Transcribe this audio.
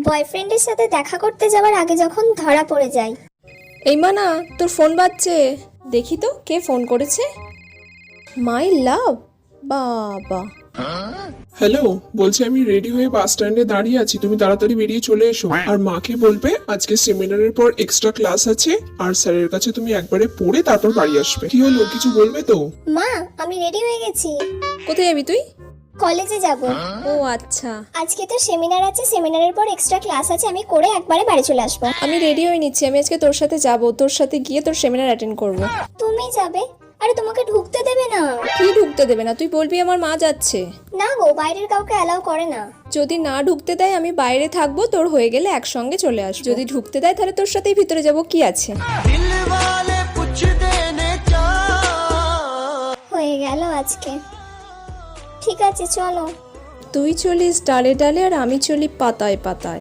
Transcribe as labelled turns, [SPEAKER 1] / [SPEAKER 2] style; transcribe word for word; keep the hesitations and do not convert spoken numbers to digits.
[SPEAKER 1] বয়ফ্রেন্ডের সাথে দেখা করতে যাওয়ার আগে যখন ধরা পড়ে যায়।
[SPEAKER 2] এই মানা, তোর ফোন বাজছে, দেখি তো কে ফোন করেছে। মাই লাভ, বাবা।
[SPEAKER 3] হ্যালো, বলছি আমি রেডি হয়ে বাস স্ট্যান্ডে দাঁড়িয়ে আছি, তুমি তাড়াতাড়ি বেরিয়ে চলে এসো। আর মাকে বলবে আজকে সেমিনারের পর এক্সট্রা ক্লাস আছে, আর স্যারের কাছে তুমি একবারে পড়ে তারপর বাড়ি আসবে। কি হলো, কিছু বলবে তো?
[SPEAKER 1] মা, আমি রেডি হয়ে গেছি।
[SPEAKER 2] কোথায় যাবি তুই?
[SPEAKER 1] কলেজে যাব।
[SPEAKER 2] ও আচ্ছা,
[SPEAKER 1] আজকে তো সেমিনার আছে, সেমিনারের পর এক্সট্রা ক্লাস আছে, আমি করে একবারে বাড়ি চলে আসবো।
[SPEAKER 2] আমি রেডি হয়ে নিচ্ছি, আমি আজকে তোর সাথে যাব, তোর সাথে গিয়ে তোর সেমিনার অ্যাটেন্ড করব।
[SPEAKER 1] তুমি যাবে? আরে তোমাকে ঢুকতে দেবে না।
[SPEAKER 2] কি ঢুকতে দেবে না? তুই বলবি আমার মা যাচ্ছে।
[SPEAKER 1] না গো, বাইরের কাউকে অ্যালাউ করে না।
[SPEAKER 2] যদি না ঢুকতে দেয় আমি বাইরে থাকবো, তোর হয়ে গেলে একসঙ্গে চলে আসবো। যদি ঢুকতে দেয় তাহলে তোর সাথেই ভিতরে যাব, কি আছে।
[SPEAKER 1] হয়ে গেল আজকে। ঠিক আছে, চলো।
[SPEAKER 2] তুই চলিস ডালে ডালে আর আমি চলি পাতায় পাতায়।